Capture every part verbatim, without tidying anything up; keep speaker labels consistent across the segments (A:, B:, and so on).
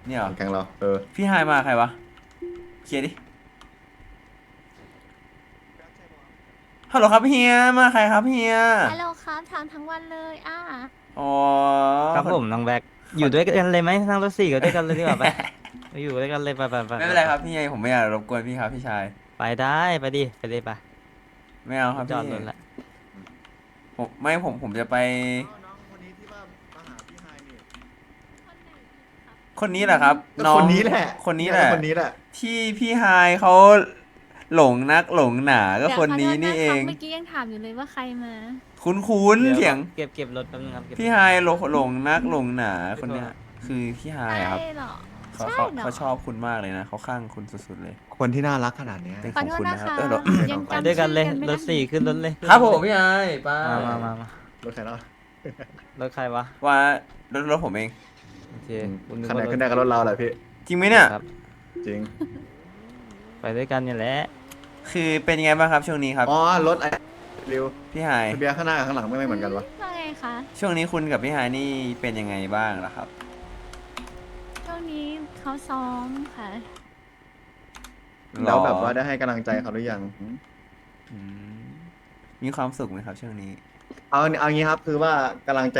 A: เนี่ยเหรอ
B: แข่งเราเออ
A: พี่ไฮมาใครวะเคลียร์ดิฮัลโหลครับเฮียมาใครครับเฮีย
C: ฮัลโหลครับถามทั้งวันเลยอ่า
A: อ๋อ
D: ครับ
A: คน
D: ผมน้องแบ็ค
A: คน
D: อยู่ด้วยกันเลยไหมนั่งรถสี่กันด้วยกันเลยดีกว่าไปไปอยู่ด้วยกันเลยไปไปไป
A: ไม่
D: ไปไป
A: เป็นไรครับพี่ไงผมไม่อยากรบกวนพี่ครับพี่ชาย
D: ไปได้ไปดิไปดิไป
A: ไม่เอาค
D: กู
A: รับพี่
D: จอดรถละ
A: ผมไม่ผมผมจะไป
B: น้องคนนี้ที่ว่ามาหาพี่ไฮนี่
A: คนนี้แหละครับ
B: ก็
A: น้อง
B: คนนี้แหละ
A: คนนี้แหละ
B: คนนี้แหละ
A: ที่พี่ไฮเขาหลงนักหลงหนาก็
C: เดี๋ยว
A: คนนี้
C: ขโทษ
A: นี่เอ
C: ครับ
A: ง
C: เมื่อกี้ยังถามอยู่เลยว่าใครมา
A: คุ้นคุ้น
D: ดี๋ว
A: เสียง
D: เก็บเก็บรถแป๊บนึงครับเก็บ
A: พี่ไฮหลงหลงนักหลงหนาคนเนี้ยคือพี่ไฮ
C: ใช่
A: อะครับ
C: เหรอ
A: เขา
C: ใช่
A: เขา
C: เหรอ
A: เขาชอบคุณมากเลยนะเขาข้างคุณสุดๆเลย
B: คนที่น่ารักขนาดเนี้ย
A: เป็น
C: ข
A: ข
C: อ
A: อง
C: โทษ
A: คุณ
C: นะ
A: นะครับ
C: คะ
A: เออเดี๋ยว
C: ยัง
D: ไป
C: จำ
D: ด้วยกันเลย
C: ชื่อไม่
D: ร
C: ได้
D: ถสี่ขึ้นรถเลย
A: ครับผมพี่ไฮไป
D: มามามามา
B: รถใครเนาะ
D: รถใครวะ
A: ว่ารถรถผมเอง
D: โอเค
B: ขนาดขึ้นได้กับรถเราแหละพี่
A: จริงไหมเนี่ย
D: ครับ
B: จริง
D: ไปด้วยกันนี่แหละ
A: คือเป็นยังไงบ้างครับช่วงนี้ครับ
B: อ๋อรถไอ้ริว
A: พี่ไฮ
B: ทะเบียนข้างหน้ากับข้างหลังไม่เหมือนกันวะ
C: ว่าไงคะ
A: ช่วงนี้คุณกับพี่ไฮนี่เป็นยังไงบ้างล่ะครับ
C: ช่วงนี้เขาซ้อมค่ะ
B: แล้วแบบว่าได้ให้กำลังใจเขาหรือยัง
A: อืมมีความสุขไหมครับช่วงนี้
B: เอาเอางี้ครับคือว่ากำลังใจ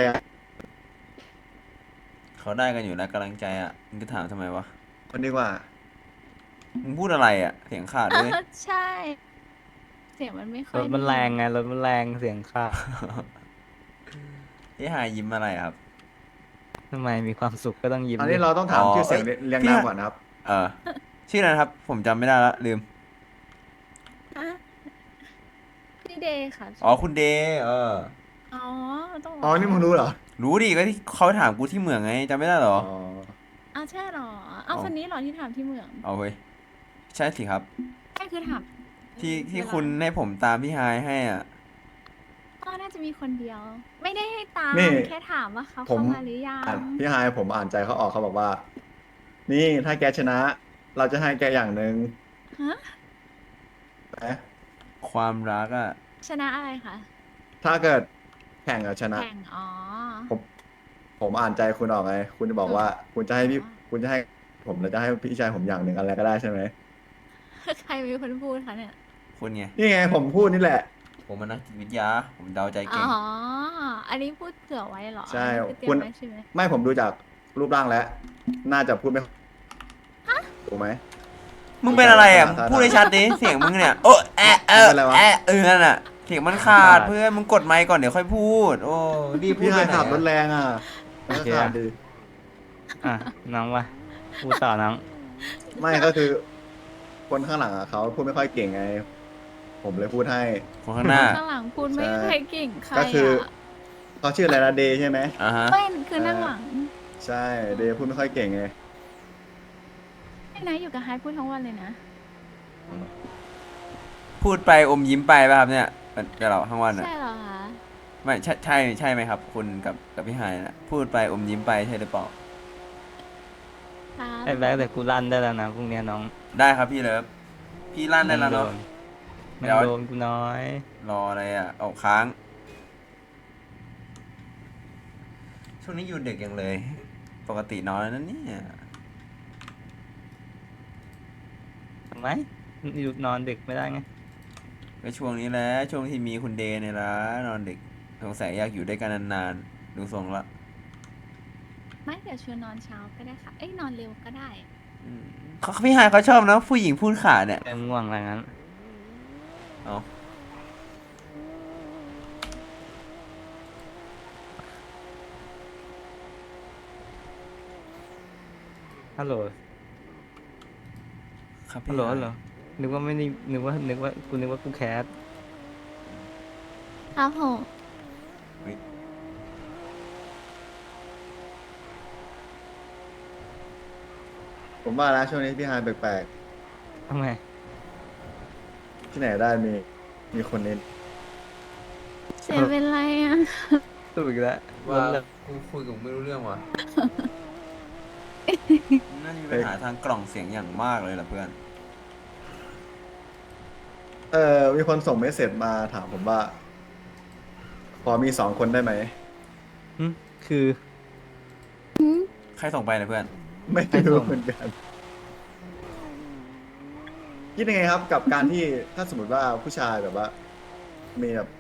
A: เขาได้กันอยู่แล้วกำลังใจอ่ะมึงจะถามทำไมวะ
B: คนดีกว่า
A: มึงพูดอะไรอ่ะเสียงขาดด้วย
C: ใช่ เสียงมันไม่ค่อ
D: ร
C: ย
D: ถมันแรงไงรถมันแรงเสียงค่า
A: พี่ไฮยิ้มอะไรครับ
D: ทำไมมีความสุขก็ต้องยิ้ม
B: อัน
D: ดิ
B: นี้เราต้องถาม
A: อ๋อ
B: ชื่อเสียง
A: เอ้ย
B: เรียง
A: พี่
B: นาม
A: ฮะ
B: ก่อนนะครับ
A: เออชื่ออะไรนะครับ ผมจำไม่ได้ละลืม
C: อ่ะพี่เดย์ค่ะ
A: อ๋อคุณเดย์เออ
C: อ๋อต้องบก
B: อ๋อนี่มึงรู้เหรอ
A: รู้ดิก็ที่เขาถามกูที่เหมืองไงจำไม่ได้เหรอ
B: อ๋อ
C: อ้าวใช่เหรอเอา
A: อ๋อ
C: คนนี้เหรอที่ถามที่เมือง
A: เอาเว้ยใช่สิครับ
C: ใช่คือถาม
A: ที่ที่
C: เวลา
A: คุณให้ผมตามพี่ไฮให้อ่ะ
C: ก็น่าจะมีคนเดียว ไม่ได้ให้ตาม
B: นี่
C: แค่ถามว่าเขา
B: ผม
C: เข้ามาหรือยั
B: อ่ะ
C: ง
B: พี่ไฮายผมอ่านใจเขาออกเขาบอกว่า นี่ถ้าแกชนะ เราจะให้แกอย่างหนึ่ง
C: ฮะ
B: นะ
A: ความรักอ่ะ
C: ชนะอะไรคะ
B: ถ้าเกิดแข่งกับชนะ
C: แข่งอ๋อ
B: ผมผมอ่านใจคุณออกไง คุณจะบอกว่า คุณจะให้พี่
C: อ๋อ
B: คุณจะให้ผมแล้วจะให้พี่ชายผมอย่างหนึ่งอะไรก็ได้ใช่ไหม
C: ใครเป็นคนพูดคะเนี่ย
A: คุณไง
B: นี่ไงผมพูดนี่แหละ
A: ผมมันนักจิตวิทยา ผมเดาใจ
C: อ๋
A: เก่ง
C: อ อันนี้พูดเผื่อไว้เหรอ
B: ใช่
C: อันนี้คือเตรีย
B: คุณ
C: มไว้ใช่ไหม
B: ไม่ผมดูจากรูปร่างแล้ว น่าจะพูดไม่ถูกไหม
A: มึงเป็นอะไรอ่ะ
B: ได้
A: มึงพูดให้ชัดดิ เสียงมึงเนี่ย โอ้แอะเออ
B: เป็นไรวะ
A: แอะเออนั่นอ่ะ เสียงมันขาดเพื่อนมึงกดไมค์ก่อนเดี๋ยวค่อยพูด โอ้รีบพู
B: พี่
A: ด
B: ไฮ
A: ไปไหน
B: ขับรถ
A: อะ
B: แรงอ่ะ
D: โอเค
B: ขั
D: อะ
B: บดี
D: อ่ะน้องวะพูดต่อน้อง
B: ไม่ก็คือ คนข้างหลังอ่ะเขาพูดไม่ค่อยเก่งไง ผมเลยพูดให้
A: คนข้างหน้า
C: ข้างหลังพูดไม่
B: ใช่
C: ใครเก่งใคร
B: ก็คือ
C: อ่ะ
B: เขาชื่ออะไรนะเดย์ใช่ไหม
A: อ่าฮะ
C: เป็นคือนั่งหลัง
B: ใช่เดย์พูดไม่ค่อยเก่งไง
C: ไม่นะอยู่กับไฮพูดทั้งวันเลยนะ
A: พูดไปอมยิ้มไปป่ะครับเนี่ยกับเราทั้งวันอ่ะ
C: ใช่เหรอคะ
A: ไม่ใช่ใช่ใช่ไหมครับ คุณกับกับพี่ไฮนะพูดไปอมยิ้มไปใช่หรือเปล่า
C: ครับ
D: ไอ้แบ็คแต่กูลั่นได้แล้วนะพรุ่งนี้น้อง
A: ได้ครับพี่เลิฟพี่ลั่นได้แล้วเนาะ
D: ไม่
A: เดี๋ยว
D: โดนกูน้อย
A: รออะไรอ่ะเอาค้าง ช่วงนี้อยู่ดึกยังเลย ปกตินอนแล้วนั่นเนี่ย
D: ทำไมอยู่นอนดึกไม่ได้ไง
A: ก็ช่วงนี้แหละช่วงที่มีคุณเดย์เนี่ยละนอนดึกสงสัยอยากอยู่ด้วยกันนานๆดูทรงละ
C: ไม่เดี๋ยวชวนนอนเช้าก็ได้ค่ะ เอ้ยนอนเร็วก็ได้
A: อืมเขาพี่ไฮเขาชอบนะผู้หญิงพูดขาเนี่ย
D: แต่ง่วงอะไรงั้น
A: เอา
D: ฮัลโหล
A: ครับ
D: ฮั
A: พี่
D: ลโหล
A: ไฮ
D: ฮัลโหลนึกว่าไม่ได้นึกว่านึกว่ากูนึกว่ากูแคส
C: ครับผม
B: ผมว่าแล้วช่วงนี้พี่ไฮแปลก
D: ทำไม
B: ๆ ที่ไหนได้มี มีคนนี้
C: เสียเป็นไรอ่ะ
D: ตื่นอีกแล้ว
A: ว่า
D: ล้มเลย
A: กูคุยกับมึงไม่รู้เรื่องว่ะ น่าจะมีปัญหาทางกล่องเสียงอย่างมากเลยล่ะเพื่อน
B: เออมีคนส่งเมสเซจมาถามผมว่า พอมีสองคนได้ไหม
D: หึคือ
A: ใครส่งไปนะเพื่อน
B: ไม่รู้เหมือนกันคิดยังไงครับ กับการที่ถ้าสมมติว่าผู้ชายแบบว่า มีแบบ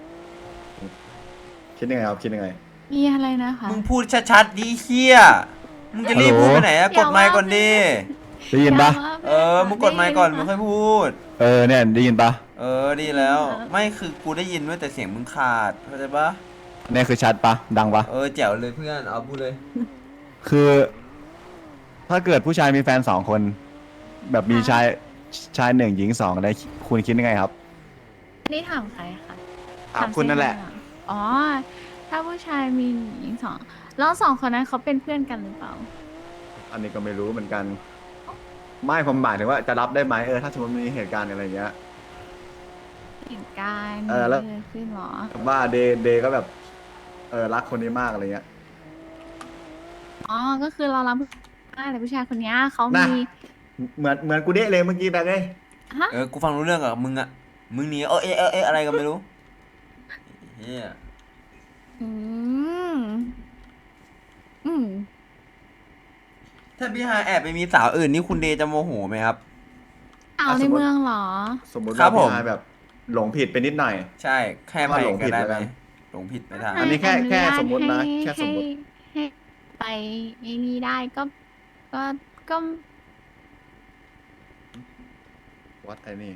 B: คิดยังไงครับคิดยังไง
C: มีอะไรนะคะ
A: มึงพูดชัดๆดิเฮียมึงจะรีบพูดไปไหนอะ
C: อก ย่า
A: ดไมค์
C: ว่า
A: ก่อนดิ
E: ได้ยินปะ
C: ย่าว่า
A: เออมึงกดไมค์ก่อนมึงค่อยพูด
E: เออเนี่ยได้ยินปะ
A: เออดีแล้ว ไม่คือกูได้ยินด้วยแต่เสียงมึงขาดเข้าใจปะ
E: เนี่ยคือชัดปะดังปะ
A: เออแจ๋วเลยเพื่อนเอาพูดเลย
E: คือ ถ้าเกิดผู้ชายมีแฟนสองคน แบบมีชายชายหนึ่งหญิงสองได้คุณคิดยังไงครับ
C: นี่ถามใครคะ
E: ถามคุณนั่นแหละ
C: เจ๊เหรออ๋อ ถ้าผู้ชายมีหญิงสองแล้วสองคนนั้นเขาเป็นเพื่อนกันหรือเปล่า
B: อันนี้ก็ไม่รู้เหมือนกัน ไม่ผมหมายถึงว่าจะรับได้ไหมเออถ้าสมมติมีเหตุการณ์อะไรอย่างเงี้ย
C: เหตุการณ์
B: เออแล้ว
C: เกิดขึ้นเหรอ
B: แบบว่าเดย์เดย์ก็แบบ เออรักคนนี้มากอะไรเงี้ย
C: อ๋อ ก็คือเรารับได้แต่ผู้ชายคนเนี้ยเขา
B: น่ะ
C: มี
B: เหมือนเหมือนกูเดะเลยเมื่อกี้แบบเอ้ย
C: ฮะ
A: เออกูฟังรู้เรื่องกับมึงอะมึงหนีเออเอะเออเอะอะไรก็ไม่รู้เฮีย
C: อืม อืม
A: ถ้าพี่ฮายแอบไปมีสาวอื่นนี่คุณเดย์จะโมโหไหมครับ
C: เอาในเมืองเหรอ
B: สมมติ
A: ครั
B: ว่า
A: บผม
B: พี่ชายแบบ หลงผิดไปนิดหน่อย
A: ใช่แค่
B: ว่า
A: ไป
B: หลง
A: ก็
B: ผิด
A: ได้
B: แล้ว
A: ไหม
B: กัน
A: หลงผิดไปทาง
B: อันนี้แค่
C: ให้
B: แค่
C: อญาต
B: สมมุตินะ
C: ให้
B: แค่สมมุติ
C: ให้ให้ไปไอ้นี่ได้ก็ ก็ก็
B: วัดไอ้นี่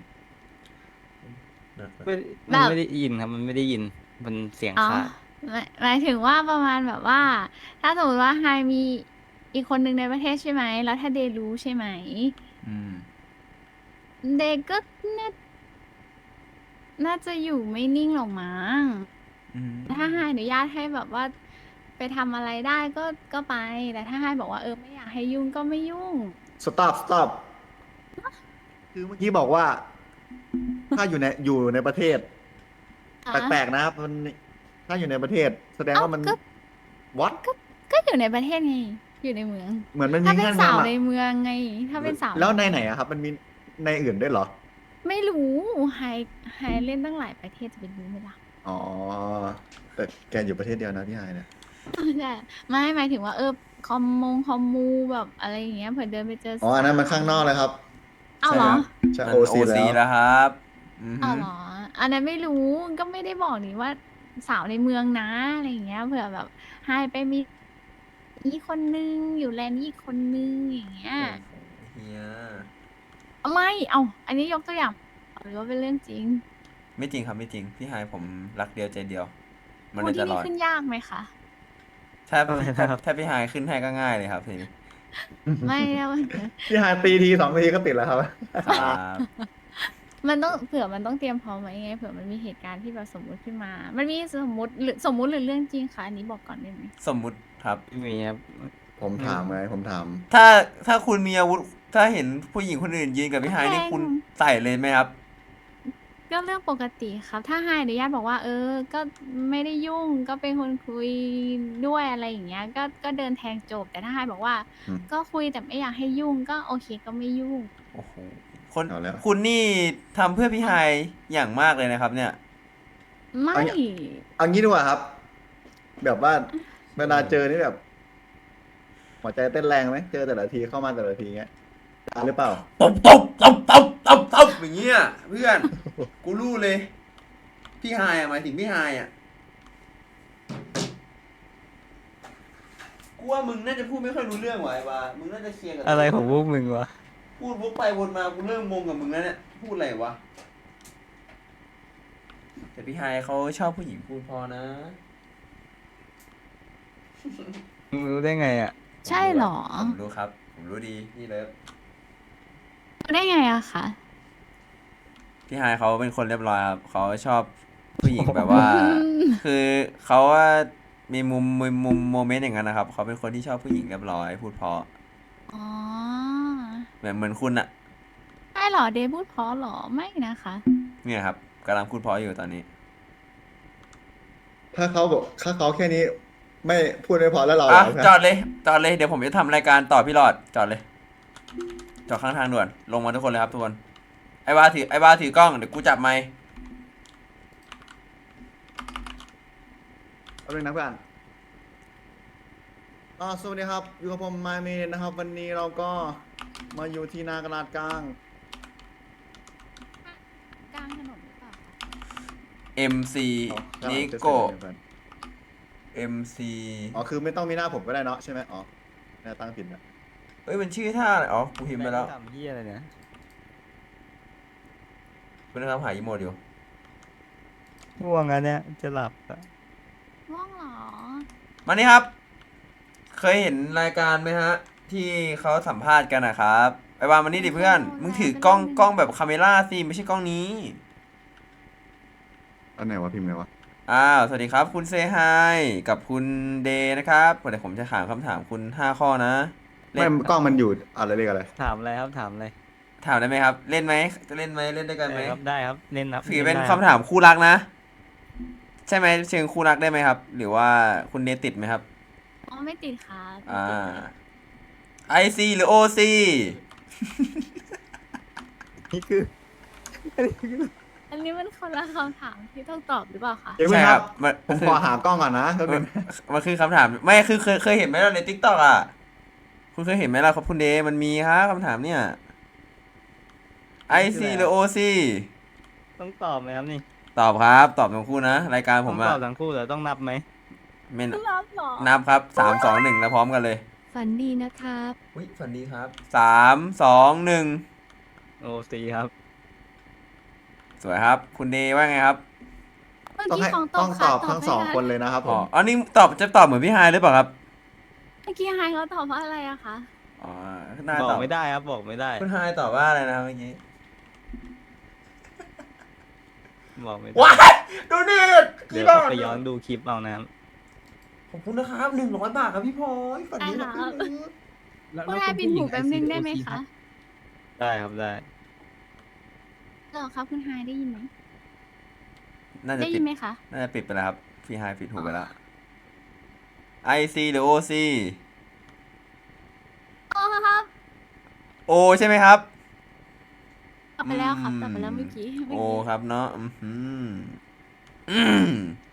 D: ไม่
C: แบบ
D: มันไม่ได้ยินครับ มันไม่ได้ยิน มันเสียง
C: อ๋อ
D: ขาด
C: หมายหมายถึงว่าประมาณแบบว่า ถ้าสมมติว่าไฮมีอีกคนหนึ่งในประเทศใช่ไหม แล้วถ้าเดย์รู้ใช่ไหม
A: อืม
C: เดย์ก็น่าน่าจะอยู่ไม่นิ่งหรอกมั้ง
A: อืม
C: ถ้าไฮอนุญาตให้แบบว่า ไปทำอะไรได้ก็ก็ไป แต่ถ้าไฮบอกว่าเออไม่อยากให้ยุ่งก็ไม่ยุ่ง
B: stop stop คือเมื่อกี้บอกว่า ถ้าอยู่ในอยู่ในประเทศ แปลกๆนะครับมันถ้าอยู่ในประเทศ แสดงว่ามัน
C: เอ้าก็
B: วัด
C: ก็อยู่ในประเทศไง อยู่ในเมือง
B: เหมือนมันมี
C: ถ้าเป็น
B: เงื่อน
C: สาว
B: งำ
C: ใน
B: อะ
C: เมืองไง ถ้าเป็นสาว
B: แล้วในไหนอะครับ มันมีในอื่นด้วยเหรอ
C: ไม่รู้ไฮไฮเล่นตั้งหลายประเทศจะเป็นรู้ไหมล่ะ
B: อ๋อ แต่แกอยู่ประเทศเดียวนะพี่ไฮเนี่ย
C: ใช่ไม่หมายถึงว่าเออคอมมงคอมมูแบบอะไรอย่างเงี้ยเผื่อเดินไปเจอ
B: อ๋อ อันนั้นมันข้างนอกเลยครับ
C: เอาเหรอ
B: ใช่
A: มัน
B: โอซี
A: โอซี
B: แล้ว
A: แล้วครับอือฮึ
C: เอาเหรอ อันนั้นไม่รู้ก็ไม่ได้บอกนี่ว่าสาวในเมืองนะอะไรอย่างเงี้ยเผื่อแบบไฮไปมีอีกคนนึงอยู่แลนด์นี้อีกคนนึงอย่างเงี้ย
A: เฮีย
C: เอาไม่เอา อันนี้ยกตัวอย่างหรือว่าเป็นเรื่องจริง
A: ไม่จริงครับไม่จริง พี่ฮายผมรักเดียวใจเดียว มัน
C: พู
A: เล
C: ด
A: ยต
C: ที่
A: ล
C: นี่
A: อด
C: ขึ้นยากไหมคะ
A: ถ้า
D: อะไร
A: ถ้า
D: นะครับ
A: ถ้าพี่ฮายขึ้นให้ก็ง่ายเลยครับทีนี้
C: ไม่แล้ว
B: พี่ไฮตีทีสองทีก็ติดแล้วครับ
A: ครับ
C: มันต้องเผื่อมันต้องเตรียมพร้อมไว้ไงเผื่อมันมีเหตุการณ์ที่แบบสมมุติขึ้นมา มันมีสมมติหรือสมมุติหรือเรื่องจริงคะอันนี้บอกก่อนได้ไหม
A: สมมุติครับ
D: ไม่มีครับ
B: ผมถามไงผมถาม
A: ถ้าถ้าคุณมีอาวุธ ถ้าเห็นผู้หญิงคนอื่นยืนกับพี่ฮายนี่คุณใส่เลยไหมครับ
C: ก็เรื่องปกติครับ ถ้าให้อนุญาตบอกว่า เออ ก็ไม่ได้ยุ่งก็เป็นคนคุยด้วยอะไรอย่างเงี้ย ก็ก็เดินแทงจบ แต่ถ้าให้บอกว่า
B: อืม
C: ก็คุยแต่ไม่อยากให้ยุ่งก็โอเคก็ไม่ยุ่ง
A: โอ้โหคน
B: เอาแล้ว
A: คุณนี่ทำเพื่อพี่ฮายอย่างมากเลยนะครับ เนี่ย
C: ไม่
B: เอางี้ดีกว่าครับ แบบว่าเวลาเจอนี่แบบ หัวใจเต้นแรงไหมเจอแต่ละทีเข้ามาแต่ละทีเงี้ยตาหรือเปล่า
A: ตบตบตบตบตบตบอย่างเงี้ยเพื่อน กูรู้เลย พี่ฮายอะหมายถึงพี่ฮายอะกูว่ามึงน่าจะพูดไม่ค่อยรู้เรื่องว่ะไอ้วามึงน่าจะเคลียร์กับ
D: อะไรของพวกมึงวะ
A: พูดวกไปวนมากูเริ่มงงกับมึงแล้วเนี่ยพูดอะไรวะแต่พี่ฮายเขาชอบผู้หญิงพูดพอนะ
D: มึงรู้ได้ไงอ่ะ
C: ใช่เหรอ
A: ผมรู้ครับ ผมรู้ดีพี่เลิฟ
C: รู้ได้ไงอะคะ
A: พี่ฮายเขาเป็นคนเรียบร้อยครับเขาชอบผู้หญิงแบบว่า คือเขาว่ามีมุมมุมมุมโมเมนต์อย่างนั้นนะครับเขาเป็นคนที่ชอบผู้หญิงเรียบร้อยพูดเพราะ
C: อ๋อ
A: แบบเหมือนคุณอะ
C: ใช่เหรอเดย์พูดเพราะเหรอไม่นะคะ
A: เนี่ยครับกำลังพูดเพราะอยู่ตอนนี้
B: ถ้าเขาบอกถ้าเขาแค่นี้ ไม่พูดไม่พอแล้วเราเหร
A: อ่ะ
B: อ
A: จอดเลยจอดเลยเดี๋ยวผมจะทำรายการต่อพี่หลอดจอดเลยจอดข้างทางด่วนลงมาทุกคนเลยครับทุกคนไอ้วาถือไอ้วาถือกล้องเดี๋ยวกูจับไมค์
B: เอาเลยนะเพื่อนอ่าสวัสดีครับ อยู่กับผมมาเมนนะครับ วันนี้เราก็มาอยู่ที่หนากระดาษกลาง
C: กลางถนนหรือเปล่าคะ
A: เอ็ม ซี
B: อ๋อข้างหลั
A: นิ
B: งจะ
A: โก
B: เซ็นเดียวกัน
A: เอ็ม ซี
B: อ๋อ คือไม่ต้องมีหน้าผมก็ได้เนาะใช่ไหมอ๋อหน้าตั้งผิดนะ
A: เอ้ยมันชื่อท่าอะไรอ๋อกูพิมพ์ไปแล้ว
D: ทำเฮียอะไรเนี่ย
A: คุณนะครับหาอีโมดอยู่
D: ง่วงอันเนี้ยจะหลับอะ
C: ว่องเหรอ
A: มานี่ครับ เคยเห็นรายการไหมฮะ ที่เขาสัมภาษณ์กันนะครับไปวางมานี่ดิเพื่อน มึงถือกล้องกล้องแบบคาเมล่าสิไม่ใช่กล้องนี้
B: อันไหนวะพิมพ์ไงวะ
A: อ้าว สวัสดีครับคุณเซฮายกับคุณเดย์นะครับเดี๋ยวผมจะถามคำถามคุณห้าข้อนะ เล่
B: ไม่
A: น
B: กล้องมันอยู่อะไรเรียกอะไร
D: ถามอะไรครับถามอะไร
A: ถามได้ไหมครับ เล่นไหมจะเล่นไหมเล่นด้วยกันไหม
D: ได้ครับได้ครับเน้นครับ
A: ถือเป็น
D: ได้
A: คำถามคู่รักนะ ใช่ไหมเชิงคู่รักได้ไหมครับ หรือว่าคุณเดย์ติดไหมครับ
C: อ๋อไม่ติดครับ
A: อ่า ไอซีหรือโอซี
D: นี่คือ
C: อันนี้มันคนละคำถามที่ต้องตอบหรือเปล่าคะ
B: เดี๋ยว
A: ใช่
B: ค
A: ค
B: รั
A: รั
B: บบ
A: มัน
B: ผม
A: คือ
B: ขอหากล้องก่อนนะแป๊บนึง
A: มันคือคำถามไม่คือเคยเคยเห็นไหมล่ะในทิกตอกอ่ะ คุณเคยเห็นไหมล่ะครับคุณเดย์มันมีครับคำถามเนี่ยไอซีหรือโอซี
D: ต้องตอบไหมครับนี่
A: ตอบครับตอบทั้งคู่นะรายการผ
D: ต้อ
A: ม
D: ง
A: อะ
D: ตอบทั้งคู่เหรอต้องนับไหม
A: ไม่
C: รับเหรอ
A: นับครับสามสองหนึ่งแล้วพร้อมกันเลย
F: ฝันดีนะครับ
A: อุ้ยฝันดีครับสามสองหนึ่ง
D: โอซีครับ
A: สวยครับ คุณเดย์ว่าไงครับ
C: เมื่อ
B: ต้อง
C: กี้
B: ให้
C: ของต
B: ต้
C: อ
B: อบ ง
C: ค่ะ
B: ตอบทั้ง
C: ให้
B: สอง
C: ะ
B: คนเลยนะครับผ
A: อ๋อ
B: ม
A: อันนี้ตอบจะตอบเหมือนพี่ไฮายหรือเปล่าครับ
C: เมื่อกี้ไฮเขาตอบว่าอะไรอะคะ
A: อ๋อน่า
D: บอ
A: ตอก บ
D: ไม่ได้ครับบอกไม่ได้
A: คุณไฮายตอบว่าอะไรนะครับเมื่อกี้
D: บอกไม่ได้
A: ว้ายดูนี่
D: เดี๋ยว
A: บาท
D: ไปย้อนดูคลิปเอานะครับ
A: ขอบคุณนะครับหนึ่งร้อยบาทครับพี่พลอยฝันดีนะ
C: ได้ครับ
A: พี่
C: คุณไฮปิดหูแป๊บนึงได้ไหมคะ
D: ได้ครับได้
C: เหรอครับคุณไฮได้ยินไหม
A: น่าจะ
C: ได้
A: ปิ
C: ยิ
A: ด
C: นไหมคะ
A: น่าจะปิดไปแล้วครับพี่ไฮายปิดหูไปแล้วไอซีหรือโอซี
C: โอ้ครับ
A: โอใช่ไหมครับ
C: ตอบไปแล้วครับ
A: อืม
C: ตอบไปแล้วเมื่อกี้เมื่
A: โอ
C: อกี้
A: ครับเนาะอืมอืมอืม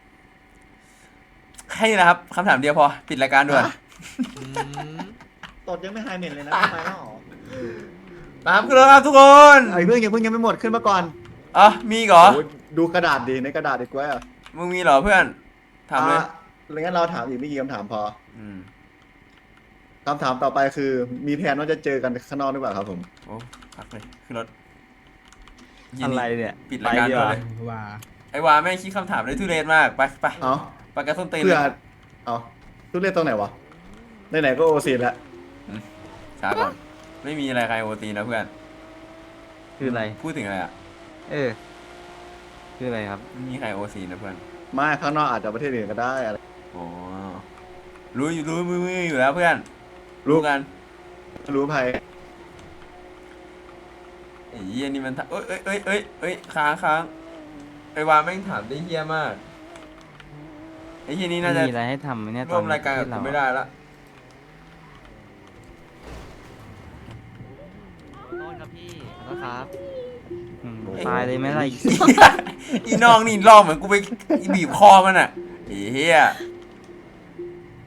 A: แค่นี้นะครับคำถามเดียวพอ ปิดรายการด่วน
B: ตดยังไม่หายเหม็นเลยนะไปแล้วเหรอ
A: ตามขึ้นแล้วครับทุกคน
B: ไอ้เพื่อนยังเพิ่งยังไม่หมดขึ้นมาก่อน
A: อ๋อมีอีกเหรอ
B: โอ้ยดูกระดาษดีในกระดาษดีกว่าอ่ะ
A: มึงมีเหรอเพื่อนถามเลย
B: อ่ะแล้วงั้นเราถามอีกไม่กี่คำถามพอ
A: อืม
B: คำถามต่อไปคือ มีแผนว่าจะเจอกันข้างนอกหรือเปล่าครับผม
A: โอ้พักเลยขึ้นรถ
D: อะไรเนี่ย
A: ปิดรายการ
D: ไปดี
A: ด่
D: ก
A: วน
D: ว่า
A: เลย
G: ว่า
A: ไอ้วาแม่งคิดคำถามได้ทุเรศมาก ไปไป
B: เอา
A: ปากกาส้นตีน
B: เพื่
A: เล
B: อย เอาทุเรียนตรงไหนวะไหนๆก็โอซีแล้ว
A: ช้าก่อน ไม่มีอะไรใครโอตีนะเพื่อน
D: คืออะไร
A: พูดถึงอะไรอ่ะ
D: เออ คืออะไรครับ
A: ไม่มีใครโอซีนะเพื่อน
B: ไม่ข้างนอกอาจจะประเทศอื่นก็ได้อะไร
A: อ๋อ รู้อยู่รู้มือมืออยู่แล้วเพื่อน รู้กัน
B: รู้ภัย
A: ไอ้เหี้ยนี่มันถามเอ้ยเอ้ยเอ้ยเอ้ยเอ้ยค้างค้างไอ้วาแม่งถามได้เหี้ยมาก ไอ้เหี้ยนี่น่าจะ
D: มีอะไรให้ทำไหมเนี่ย
A: ร่วมรายการกับ
D: ที่
A: กู
D: เ
A: ไม่ได้ละ
D: โทษครับพี่ขอโทษครับอืมตายเลยไหมล่ะ
A: อีน้องนี่ลองเหมือนกูไปบีบคอมันอ่ะไอ้เหี้ย